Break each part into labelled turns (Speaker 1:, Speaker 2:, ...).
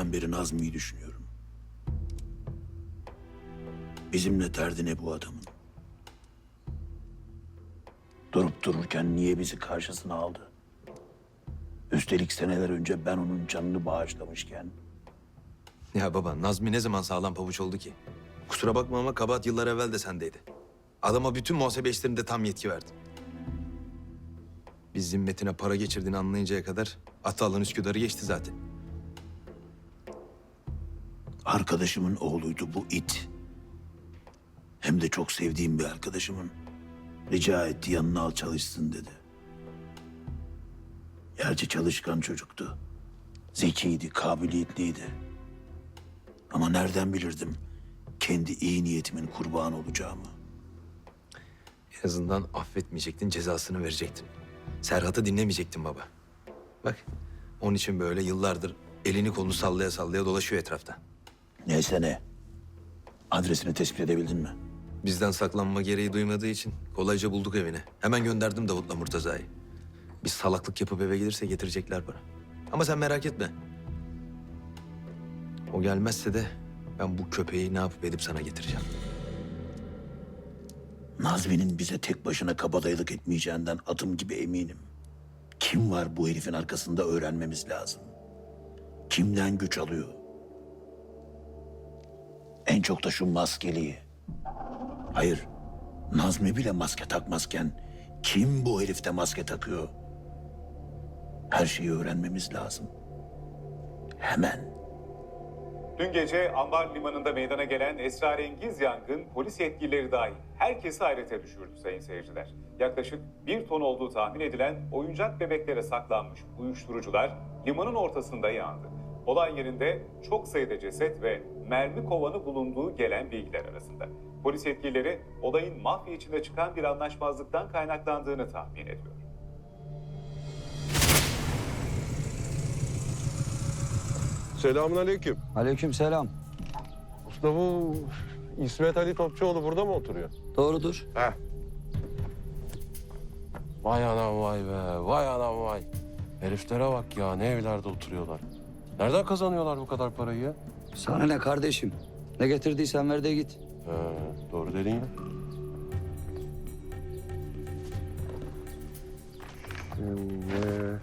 Speaker 1: günden beri Nazmi'yi düşünüyorum. Bizimle derdi ne bu adamın? Durup dururken niye bizi karşısına aldı? Üstelik seneler önce ben onun canını bağışlamışken.
Speaker 2: Ya baba, Nazmi ne zaman sağlam pabuç oldu ki? Kusura bakma ama kabahat yıllar evvel de sendeydi. Adama bütün muhasebe işlerinde tam yetki verdim. Biz zimmetine para geçirdiğini anlayıncaya kadar Atalan Üsküdar'ı geçti zaten.
Speaker 1: Arkadaşımın oğluydu bu it. Hem de çok sevdiğim bir arkadaşımın. Rica etti, yanına al çalışsın dedi. Gerçi çalışkan çocuktu. Zekiydi, kabiliyetliydi. Ama nereden bilirdim kendi iyi niyetimin kurbanı olacağımı?
Speaker 2: En azından affetmeyecektin, cezasını verecektin. Serhat'ı dinlemeyecektin baba. Bak, onun için böyle yıllardır elini kolunu sallaya sallaya dolaşıyor etrafta.
Speaker 1: Neyse ne. Adresini tespit edebildin mi?
Speaker 2: Bizden saklanma gereği duymadığı için kolayca bulduk evini. Hemen gönderdim Davut'la Murtaza'yı. Biz salaklık yapıp eve gelirse getirecekler para. Ama sen merak etme. O gelmezse de ben bu köpeği ne yapıp edip sana getireceğim.
Speaker 1: Nazmi'nin bize tek başına kabadayılık etmeyeceğinden adım gibi eminim. Kim var bu herifin arkasında öğrenmemiz lazım. Kimden güç alıyor? En çok da şu maskeliyi. Hayır, Nazmi bile maske takmazken kim bu herifte maske takıyor? Her şeyi öğrenmemiz lazım. Hemen.
Speaker 3: Dün gece Ambar Limanı'nda meydana gelen esrarengiz yangın polis yetkilileri dahil herkesi hayrete düşürdü sayın seyirciler. Yaklaşık 1 ton olduğu tahmin edilen oyuncak bebeklere saklanmış uyuşturucular limanın ortasında yandı. Olay yerinde çok sayıda ceset ve mermi kovanı bulunduğu gelen bilgiler arasında. Polis yetkilileri olayın mafya içinde çıkan bir anlaşmazlıktan kaynaklandığını tahmin ediyor.
Speaker 4: Selamünaleyküm.
Speaker 5: Aleykümselam.
Speaker 4: Usta bu İsmet Ali Topçuoğlu burada mı oturuyor?
Speaker 5: Doğrudur.
Speaker 4: Heh. Vay anam vay be, vay anam vay. Heriflere bak ya, ne evlerde oturuyorlar. Nereden kazanıyorlar bu kadar parayı ya?
Speaker 5: Sana ne kardeşim? Ne getirdiysen ver de git.
Speaker 4: Doğru dedin ya. Şimdi...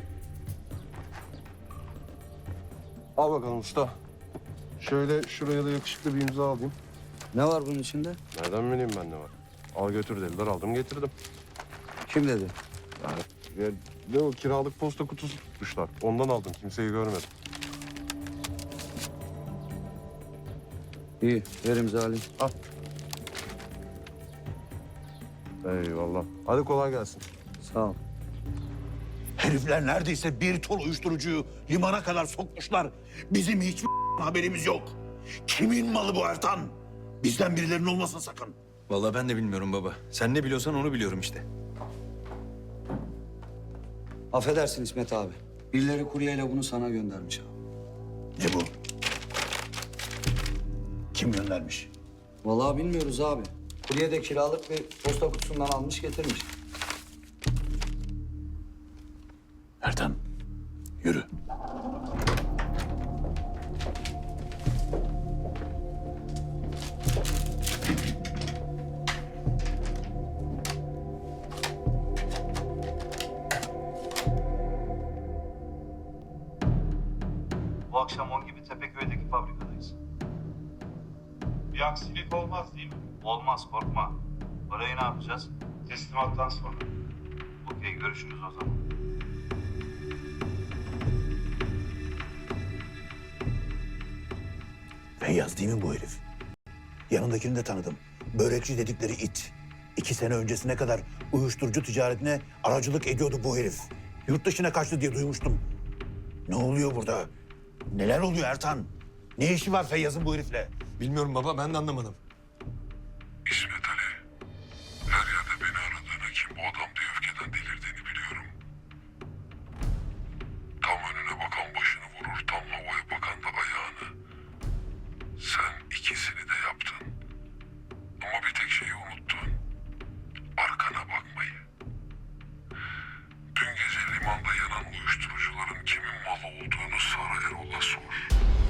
Speaker 4: Al bakalım usta. Şöyle şuraya da yakışıklı bir imza alayım.
Speaker 5: Ne var bunun içinde?
Speaker 4: Nereden bileyim ben ne var? Al götür dediler, aldım getirdim.
Speaker 5: Kim dedi?
Speaker 4: Ya, ne o kiralık posta kutusu tutmuşlar. Ondan aldım, kimseyi görmedim.
Speaker 5: İyi, ver imzalayayım.
Speaker 4: Al. Eyvallah. Hadi kolay gelsin.
Speaker 5: Sağ ol.
Speaker 1: Herifler neredeyse 1 ton uyuşturucuyu limana kadar sokmuşlar. Bizim hiçbir haberimiz yok. Kimin malı bu Ertan? Bizden birilerinin olmasın sakın.
Speaker 2: Vallahi ben de bilmiyorum baba. Sen ne biliyorsan onu biliyorum işte.
Speaker 5: Affedersin İsmet abi. Birileri kuryeyle bunu sana göndermiş abi.
Speaker 1: Ne bu? Kim göndermiş?
Speaker 5: Vallahi bilmiyoruz abi. Kurye de kiralık bir posta kutusundan almış getirmiş.
Speaker 1: Ertan, yürü.
Speaker 6: Bu akşam 10 gibi Tepeköy'deki fabrikadayız.
Speaker 7: Bir aksilik olmaz değil mi?
Speaker 6: Olmaz, korkma. Parayı ne yapacağız?
Speaker 7: Teslimattan sonra.
Speaker 6: Okey, görüşürüz o zaman.
Speaker 1: Feyyaz değil mi bu herif? Yanındakini de tanıdım. Börekçi dedikleri it. 2 sene öncesine kadar uyuşturucu ticaretine aracılık ediyordu bu herif. Yurt dışına kaçtı diye duymuştum. Ne oluyor burada? Neler oluyor Ertan? Ne işi var Feyyaz'ın bu herifle?
Speaker 2: Bilmiyorum baba, ben de anlamadım.
Speaker 8: İsmet Ali, her yerde beni aradığını, kim bu adam diye öfkeden delirdiğini biliyorum. Tam önüne bakan başını vurur, tam havaya bakan da ayağını. Sen ikisini de yaptın. Ama bir tek şeyi unuttun. Arkana bakmayı. Dün gece limanda yanan uyuşturucuların kimin malı olduğunu Sara Erol'a sor.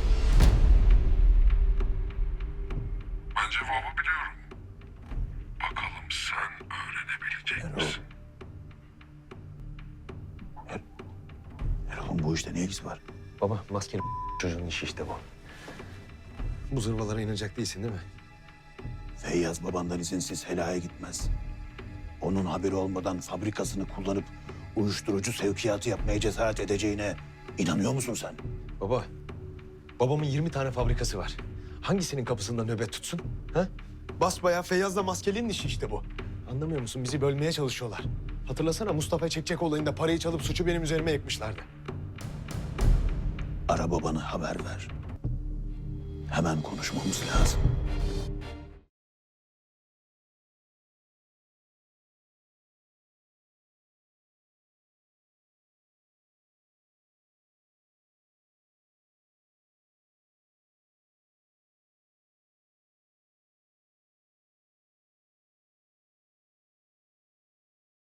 Speaker 1: ilgisi var?
Speaker 2: Baba maskeli çocuğun işi işte bu. Bu zırvalara inanacak değilsin değil mi?
Speaker 1: Feyyaz babandan izinsiz helaya gitmez. Onun haberi olmadan fabrikasını kullanıp uyuşturucu sevkiyatı yapmaya cesaret edeceğine inanıyor musun sen?
Speaker 2: Baba, babamın 20 tane fabrikası var. Hangisinin kapısında nöbet tutsun? Ha? Basbayağı Feyyaz'la maskelinin işi işte bu. Anlamıyor musun? Bizi bölmeye çalışıyorlar. Hatırlasana Mustafa Çekçek olayında parayı çalıp suçu benim üzerime yıkmışlardı.
Speaker 1: Ara babanı haber ver. Hemen konuşmamız lazım.